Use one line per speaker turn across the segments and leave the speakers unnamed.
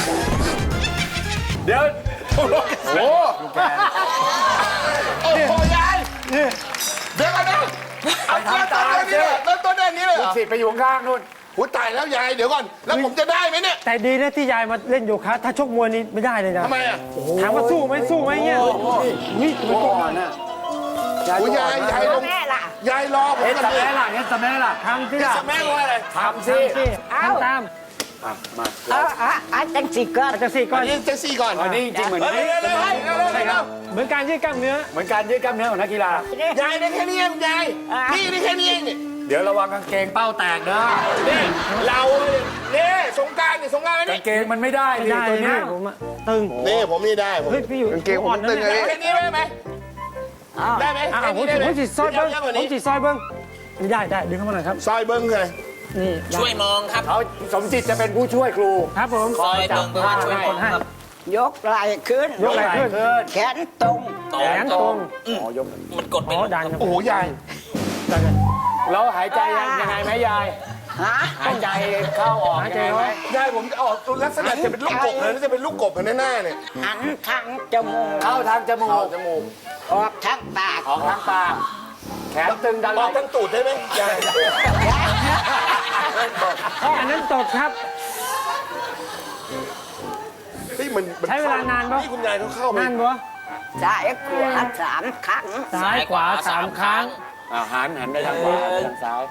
เดี๋ยวโอ้โหโอ้โหยายเดี๋ยวก่อนนะเอาเริ่มต้นนี้เลยเริ่มต้นด้านนี้เลยเหรอ
สิไปอยู่ข้างนู่น
หูตายแล้วยายเดี๋ยวก่อนแล้วผมจะได้ไหมเนี่ย
แต่ดีนะที่ยายมาเล่นโยคะถ้าชกมวยนี่ไม่ได้เลยนะ
ทำไมอ่ะ
ถามว่าสู้ไหมสู้ไหมเนี่ยนี่มันก็
หูยายลงยายรอผม
เฮ็ด
กัน
ส
ดิ
แม่ล่ะเฮ็ดสแม่ล่ะ
ทำที่
จะ
ละ
แม่ว่าอะไร
ทำสิ
ทำตาม
อาจังสิก็
อาจจะสี่ก่อน
อันนี้เจสซี่ก่อน
อันนี้จริงๆเหมือน
เร็วเร็วเร็ว
เหมือนการยืดกล้ามเนื้อ
เหมือนการยืดกล้ามเนื้อของนักกีฬาย
ายได้แค่นี้เองยายนี่ได้แค่นี้เองนี่
เดี๋ยวระวังกางเกงเป้าแตกนะ
นี่เราเนี่ยสงกรารเนี่ยสงกราร
กา
นี่
งเกงมันไม่ได้
ไม่
ดิ
ได้
ตัว
นะ
เนี้ย
ผมอะตึง
นี่ผมนี่ได้ผม
เฮ้ยพี่อยู่
กางเกงผมตึงเลยแค่นี้ได้ไหมได้ไหม
อ่า
แค่
ผม
นี้ได้ไหม
จิซอยเบิ้ง
เยอะกว่า
ผม
นี้
จิซอยเบิ้งได้ดึงเข้ามาหน่อยครับ
ซอยเบิ้งเลย
นี่
ช่วยมองครับ
เขาสมจิตจะเป็นผู้ช่วยครู
ครับผม
ซอยเบิ่งเบิ่งว่าช่วยมองครับ
ยกไหล่ขึ้น
ยกไหล่ขึ้น
แขนตรง
ตร
แข
ง
นตรง
อ๋อยก
มันกดเป็น
อ๋อดันครับ
โอ้โหยาย
ดันกัน
แล้วหายใจยังไงไหมยาย
ฮะ
หายใจเข้าออกยังไงไหม
ยายผมจะออกตัวลักษณะจะเป็นลูกกบเลยจะเป็นลูกกบในหน้าเนี่ย
หันทางจมูก
เข้าทางจมูก
ออกทางปาก
ออกทางปากแขนตึงดันไห
อ
ล่
อกทั้งตูดได้ไหมยาย
อันนั้นตดครับ
ที่มัน
ใช้เวลานานปะ
ที่คุณยายเขาเข้าไป
นานปะ
ซ้ายขวา3 ครั้ง
ซ้ายขวา3 ครั้ง
หันไปทางขวาทางซ้าย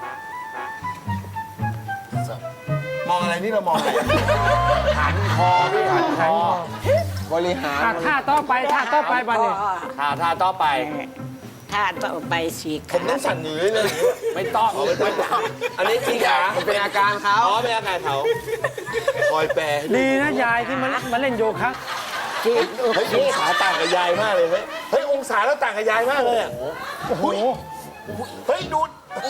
มองอะไรนี่เรามองอะไร
หันคอพี่หันคอ
บริหาร
ท่าต่อไปบันเนี่ย
ท่าต่อไป
ถ้าต่อไป4 ค
ผม
รั้
ต้อง งสั่นอยู่เลย
ไม่ต้อง
อันนี้ที่ขาเป็นอาการเขาอ๋อเป็นอาการเขาคอยแปร
ดีนะยายที่มาเล่นโยคะ
เฮ้ยองศาต่างกับยายมากเลยเฮ้ยองศาแล้วต่างกับยายมากเลยอ่ะ
โอ้โห
เฮ้ยดู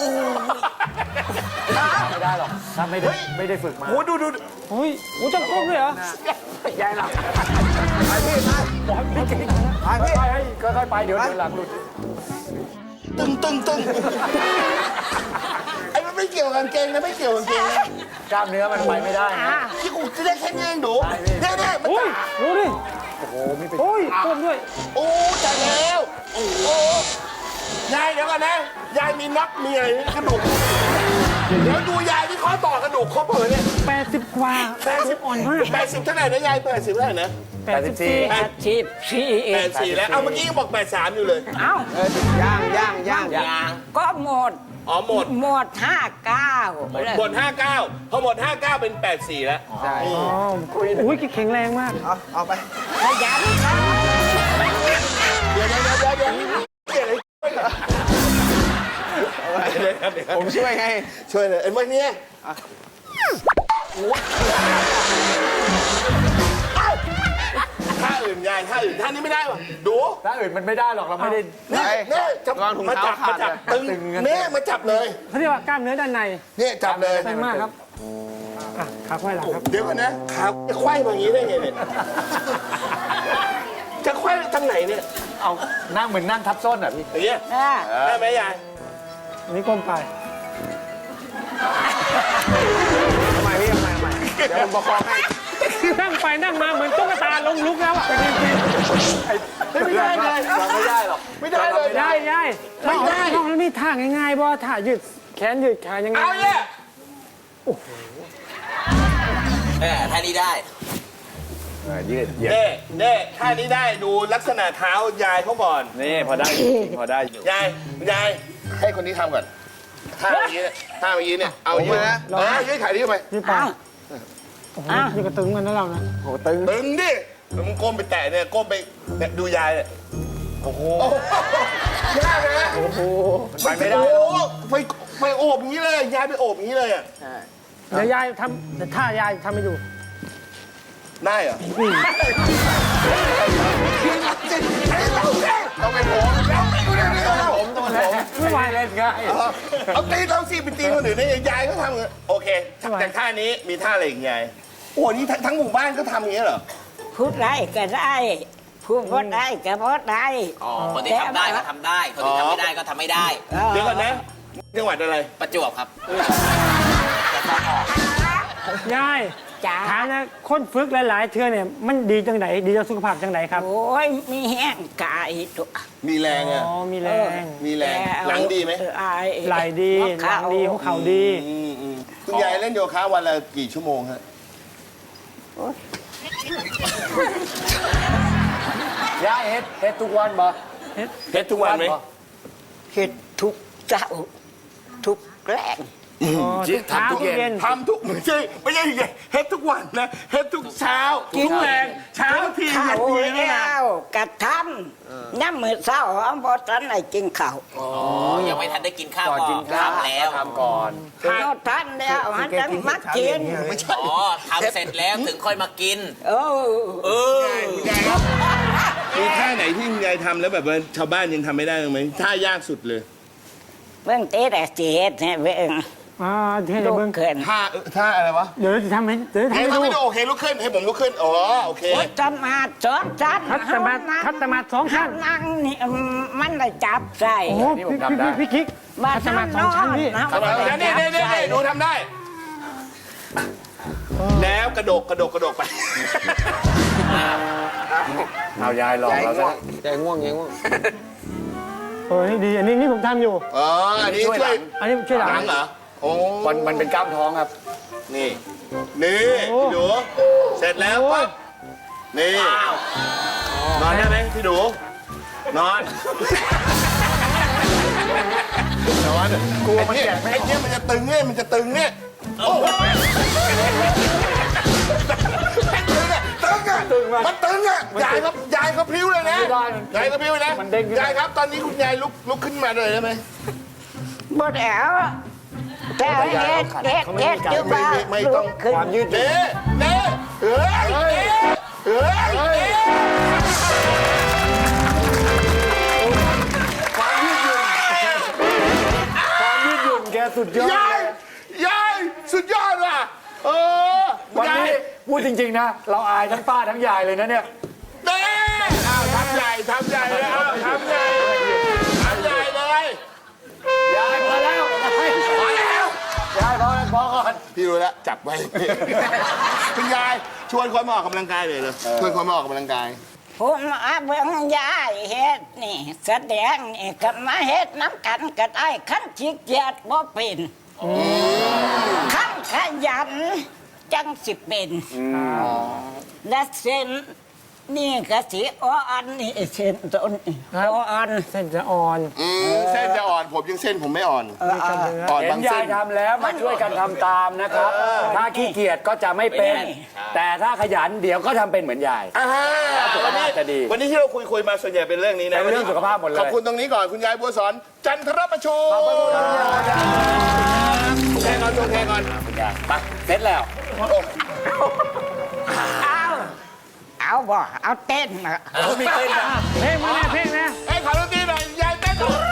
ไม่ได้หรอกถ้าไม่ได้ฝึกมา
โอ้ดู
เฮ้ยโอ้ต้องก้มด้วยเหรอ
ยายหลับไปค่อยๆไปเดี๋ยวหลังหลุด
ตึงไอ้มันไม่เกี่ยวกับกางเกงนะไม่เกี่ยวกับกางเกงนะ
กล้ามเนื้อมันไปไม่ได้นะ
ที่กูจะได้แค่นี้เองดูเนี่ยมัน
โอ้ยดูดิ
โอ้โหมีเป็น
โอ้ยก้มด้วย
โอ้ตายแล้วโอ้ยายเดี๋ยวก่อนนะยายมีน็อกมีอะไรกระดูกเดี๋ยวดูยายที่ข้อต่อกระดูกข้อเปิดเนี่ย
80 กว่า
80
อ่อนมาก
80เท่าไหร่นะยาย80เท่าไหร่นะ
84
84แล้วเอาเมื่อกี้ยังบอก83อยู่เลย
เอ้า
ยาง
ก็หมด
อ๋อหมด
หมด59เลย
หมด59พอหมด59เป็น84แล้ว
อ๋ออุ้ยแข็งแรงมาก
ขยันครับ
เดี๋ยวผมช่วยไงช่วยเลยเอ็นวันนี้ท่าอื่นยายท่าอื่นท่านี้ไม่ได้ว่ะดู
ถ้าอื่นมันไม่ได้หรอกเราไม่ได้
เนี่ยจับมาจับตึงเนี่ยมาจับเลย
เขาเรียกว่ากล้ามเนื้อด้านใน
เนี่ยจับเลย
แรงมากครับอ่ะขาไขว้หลังครับ
เดี๋ยวก่อนนะขาจะไขว้มาอย่างนี้ได้ไงเนี่ยจะไขว้ทางไหนเนี่ย
เอานั่งเหมือนนั่งทับส้นอ่ะพี่
อย่างเงี้ย
อ่า
ได้ไหมยาย
อันนี้ก้มไป
ทำไมเดี๋ยวผมประคองให้
นั่งไปนั่งมาเหมือนตุ๊กตาลงลุกแล้วอ่ะ
ไม่ได้เลย
ไม่ได้หรอก
ไม่ได้เลย
ได้ได้
ไม่ได้
น้องแล้วนี่ท่าง่ายๆบ่ท่ายืดแขนยืดขายังไง
เอาเนี่ย
ท่านี้ได้
ยืด
เน่ท่านี้ได้ดูลักษณะเท้ายายเขาก่อน
นี่พอได้พอได้อยู่
ยายให้คนนี้ทำก่อนท่าเมื่อกี้เนี่ยท่าเมื่อกี้เนี่ยเอายืดนะยืดขานี้ไป
ยืดไปโอ้โหยืดกระตึงกันนะเรานะ
โอ้ตึง
ตึงดิมึงก้มไปแตะเนี่ยก้มไปเนี่ยดูยายเนี่ยโอ้โหยากนะโอ้โห
ไปไม่ได้
โอ้โหไปโอบอย่างนี้เลยยายไปโอบอย่างนี้เลยอ่ะ
เดี๋ยวยายทำแต่ท่ายายทำให้ดู
ได้เหรอต้องเป็นผมต้องเป็นผม
ไม่ไหว
เล่นง่าย
เอาตีต้องสิไปตีคนอื่นได้ยายก็ทำโอเคจากท่านี้มีท่าอะไรอีกยายโอ้นี่ทั้งหมู่บ้านก็ทำอย่างนี้เหรอ
พูดได้ก็ได้พูดบ่ได้ก็บ่ได้
คนที่ทำได้ก็ทำได้ คนที่ทำไม่ได้ก็ทำไม่ได้
เดี๋ยวก่อนนะจังหวัดอะไร
ประจวบครับ
ยาย
จ้า
ถามนะคนฝึกหลายๆเทื่อเนี่ยมันดีจังไหนดีต่อสุขภาพจังไหนครับ
โอ้ยมีแห้งกายตัว
มีแรง
อ๋
อ่ะ
อมีแรง
มีแรงหลังดีไหม
ไหลดีหลังดีหัวเข่าดี
คุณยายเล่นโยคะวันละกี่ชั่วโมงฮะ
ยายเฮ็ดทุกวันบ่
เฮ็ดทุกวันไหม
เฮ็ดทุกเจ้า ทุกแกล้ง
อ๋อทุกเช้าทุกเย็น
ทำทุกไม่ใช่เฮ็ดทุกวันนะเฮ็ดทุกเช้าทุกแรงเช้าทีเย็
ข้าน ว
ทีนี่นะ
แล้วกระทำน้ำมือเช้าหอมบอทันได้กินข้าว
อ๋อ ยังไม่ทันได้กินข้าว
ก่อนกินข้าว
ทำแล้ว
ทำก่อน
นอกทันแล้วหันจังมักกิน
อ๋อทำเสร็จแล้วถึงค่อยมากิน
เออ
เออ
คุณยายครับมีท่าไหนที่คุณยายทำแล้วแบบว่าชาวบ้านยังทำไม่ได้ไหมท่ายากสุดเลย
เบิ่งเตะแต่เจ็ดเนี่ยเบิ่ง
อ่าเท่
ลู
เบิ่ง
กเขิน
ท่าอะไรวะ
เดี๋ยวจะทำให้เดี๋ยวจะทำ
ให้
ให้
ทำ
ดู
ไม่ดูโอเคลุกขึ้นให้ผมลุกขึ้นอ๋อโอเค
โอ้ยจันมาสองจัน
คัดตมาสองชั้น
นั่งนี่มันได้จับใส่
โอ้โหพี่กิ๊ก
มา
คัดตมาสองชั้นพี่
นะ
เดี๋ยวนี่หนูทำได้ แล้วกระโดดไป
เอายายหลอกเราซะ
ใจง่วงยังง่วง
เออนี่ดีอันนี้ผมทำอยู่
อ๋ออันนี้ช่วย
อันนี้ช่วยหลั
หลั
ง
งเหรอโอ้
มันเป็นกล้ามท้องครับ
นี่พี่ดูเสร็จแล้วปั๊บนี่นอนได้ไหมพี่ดูนอนกลัวมันแก่ไอ้เนี่ยมันจะตึงเนี่ยโอ้มันตึงอ่ะยายครับพลิ้วเลยนะยายก็พลิ้วนะยายครับตอนนี้คุณยายลุกขึ้นมาเลยได้ไหม
บ่แล้วแต่เฮ็ดอยู่บ้าน
ไม่ต้อง
ความยืดหยุ่น
เน่เฮ้ย
ความยืดหยุ่นแกสุดยอด
ยายสุดยอดว่ะ
วัน
ยาย
นี้พูดจริงๆนะ เราอายทั้งป้าทั้งยายเลยนะเนี่ย
เน่ทำใหญ่เลยทำใหญ่เลย
ยายพอแล้ว
พอแล้ว
ยายพอก่อน
พี่รู้แล้วจับไว้ คุณยายชวนคนมาออกกำลังกายเลยชวนคนมาออกกำลังกาย
ผมอาเบิ่งยายเฮ็ดนี่แสดงนี่ก็มาเฮ็ดน้ำกันก็ได้ขั้นขี้เกียจบ่เป็นขั้นขยันจังสิเป็นและเส้นนี่ก็สิอ่อนนี่เส้นต้นนี่อ่อน
เส้นจะอ่อน
เส้นจะอ่อนผมยังเส้นผมไม่อ่อนอ่อน
เห็
บาน ง
ยา
เส้
ย
น
ทำแล้วมาช่วยกันทำตามนะครับ ถ้าขี้เกียจก็จะไม่เป็น แต่ถ้าขยันเดี๋ยวก็ทำเป็นเหมือนยาย สุขภาพจะดี
วันนี้ที่เราคุยมาส่วนใหญ่เป็นเรื่องนี้นะ
เป็นเรื่องสุขภาพหมดเลย
ขอบคุณตรงนี้ก่อนคุณยายบัวสอนจันทรประชูแค่ก่อนแค่ก่อน
คุณยายไปเสร็จแล้ว
เอาบ่เอาเต้นมา
มีเต้นนะ
เพลงมาแน่เพลงนะ
ไอ้ขอดนตรีหน่อยยายเต้นก่อน